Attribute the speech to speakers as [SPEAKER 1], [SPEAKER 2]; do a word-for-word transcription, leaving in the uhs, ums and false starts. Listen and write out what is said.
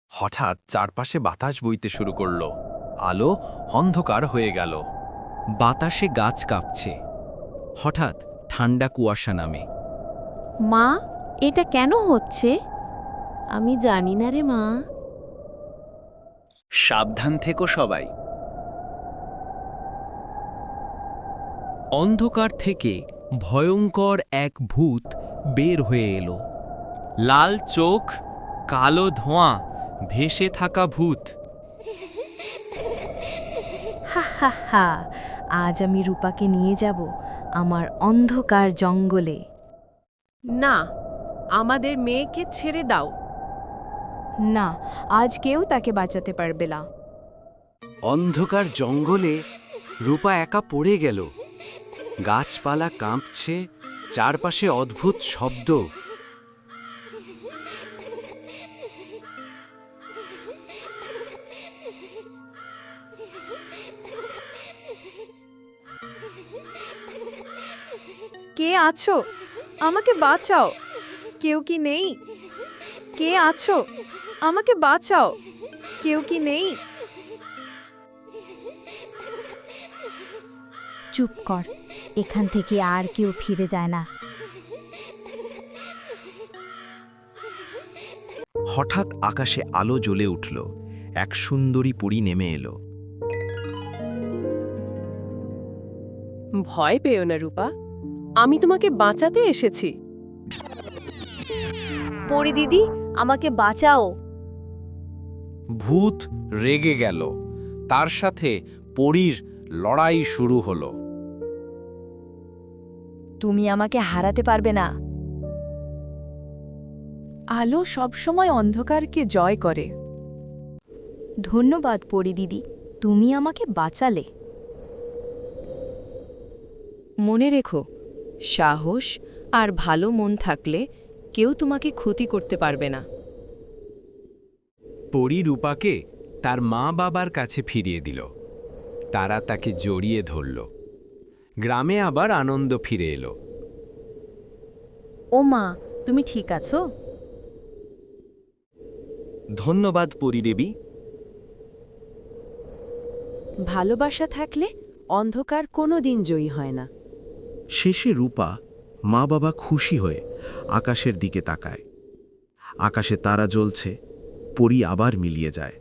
[SPEAKER 1] হঠাৎ চারপাশে বাতাস বইতে শুরু করল। আলো অন্ধকার হয়ে গেল।
[SPEAKER 2] বাতাসে গাছ কাঁপছে। হঠাৎ ঠান্ডা কুয়াশা নামে।
[SPEAKER 3] মা, এটা কেন হচ্ছে? আমি জানি না রে মা।
[SPEAKER 2] সাবধান থেকো সবাই। অন্ধকার থেকে ভয়ঙ্কর এক ভূত বের হয়ে এলো। লাল চোখ, কালো ধোঁয়া, ভেসে থাকা ভূত।
[SPEAKER 3] হা হা হা, আজ আমি রূপাকে নিয়ে যাব আমার অন্ধকার জঙ্গলে।
[SPEAKER 4] না, আমাদের মেয়েকে ছেড়ে দাও।
[SPEAKER 3] না, আজ কেউ তাকে বাঁচাতে পারবে না।
[SPEAKER 5] অন্ধকার জঙ্গলে রূপা একা পড়ে গেল। গাছপালা কাঁপছে, চারপাশে অদ্ভুত শব্দ।
[SPEAKER 4] কে আছো? আমাকে বাঁচাও। কেউ কি নেই? কে আছো? আমাকে বাঁচাও। কেউ কি নেই?
[SPEAKER 3] চুপ কর, এখান থেকে আর কেউ ফিরে যায় না।
[SPEAKER 1] হঠাৎ আকাশে আলো জ্বলে উঠল। এক সুন্দরী পরী নেমে এলো।
[SPEAKER 4] ভয় পেও না রূপা, আমি তোমাকে বাঁচাতে এসেছি।
[SPEAKER 3] পরি দিদি, আমাকে বাঁচাও।
[SPEAKER 2] ভূত রেগে গেল। তার সাথে পরীর লড়াই শুরু হলো।
[SPEAKER 3] তুমি আমাকে হারাতে পারবে না।
[SPEAKER 4] আলো সবসময় অন্ধকারকে জয় করে।
[SPEAKER 3] ধন্যবাদ পরি দিদি, তুমি আমাকে বাঁচালে।
[SPEAKER 6] মনে রেখো, সাহস আর ভালো মন থাকলে কেউ তোমাকে ক্ষতি করতে পারবে না।
[SPEAKER 2] পরী রূপাকে তার মা বাবার কাছে ফিরিয়ে দিল। তারা তাকে জড়িয়ে ধরল। গ্রামে আবার আনন্দ ফিরে এলো।
[SPEAKER 3] ও মা, তুমি ঠিক আছো?
[SPEAKER 5] ধন্যবাদ পরিদেবী।
[SPEAKER 4] ভালোবাসা থাকলে অন্ধকার কোনো দিন জয়ী হয় না।
[SPEAKER 7] শেষে রূপা মা বাবা খুশি হয়ে আকাশের দিকে তাকায়। আকাশে তারা জ্বলছে, পরী আবার মিলিয়ে যায়।